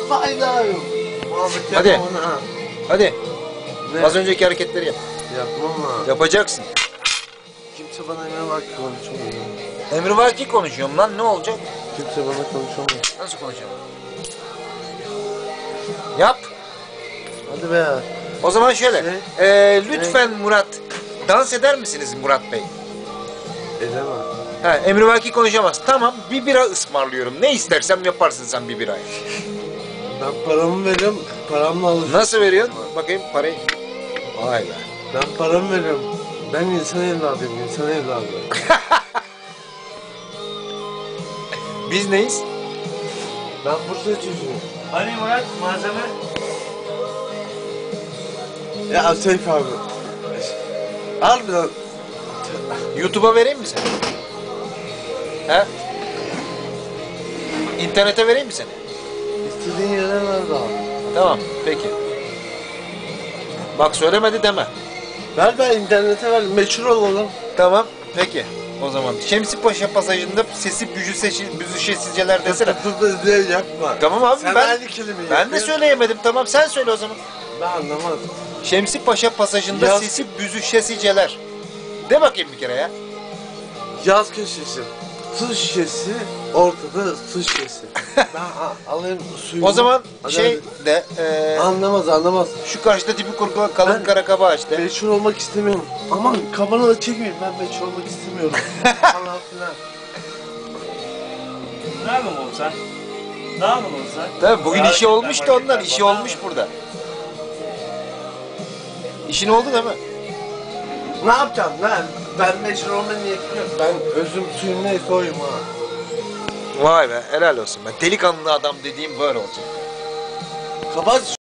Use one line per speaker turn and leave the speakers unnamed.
fayda yok. Muhabbet
Hadi.
yapma bana ha.
Hadi.
Ne?
Az önceki hareketleri yap.
Yapmam ha.
Yapacaksın.
Kimse bana emre var ki konuşamıyor.
Emrivaki konuşuyorum lan, ne olacak?
Kimse bana konuşamıyor.
Nasıl konuşacağım? Yap.
Hadi be.
O zaman şöyle. Lütfen Murat. Dans eder misiniz Murat Bey?
Edemem.
Emrivaki konuşamaz. Tamam, bir bira ısmarlıyorum. Ne istersem yaparsın sen bir birayı.
Ben paramı veriyorum. Paramla alışıyorum.
Nasıl veriyorsun? Bakayım parayı. Vay be.
Ben paramı veriyorum. Ben insan evladıyım. İnsan evladı.
Biz neyiz?
Ben Bursa çocuğuyum.
Hani Murat malzeme?
Ya Seyf abi. Harbiden.
YouTube'a vereyim mi seni? He? İnternete vereyim mi seni?
İstediğin yere ver abi.
Tamam, peki. Bak söylemedi deme.
Ver ben internete ver. Meşhur olalım.
Tamam, peki. O zaman Şemsi Paşa pasajında sesi büzüşesizceler desene.
Dur diye yapma.
Tamam abi,
sen
ben
aynı kelimeyi
ben de
yapıyorsun.
söyleyemedim. Tamam, sen söyle o zaman.
Ben anlamadım.
Şemsi Paşa pasajında
Yaz-
sesi büzüşesiceler. De bakayım bir kere ya.
Yaz köşesi. Su şişesi. Ortada su şişesi. Ben alayım suyu.
O zaman
Hadi,
şey
hadi.
de
Anlamaz.
şu karşıda tipi kurgu kalın
Ben-
kara kaba işte.
Meşhur olmak istemiyorum. Aman kafanı da çekmeyin. Ben meşhur olmak istemiyorum. Falan filan.
Ne yapalım oğlum sen? Ne yapalım oğlum sen?
Tabii bugün
Ya,
işi olmuş da ondan,
hareketler
işi
falan
olmuş
mı?
burada. İşin oldu değil mi?
Ne yapacağım lan? Ben meşhur olma niyetim yok. Ben özüm suyum neyse oyum ha.
Vay be, helal olsun. Ben delikanlı adam dediğim böyle olacak.
Kapat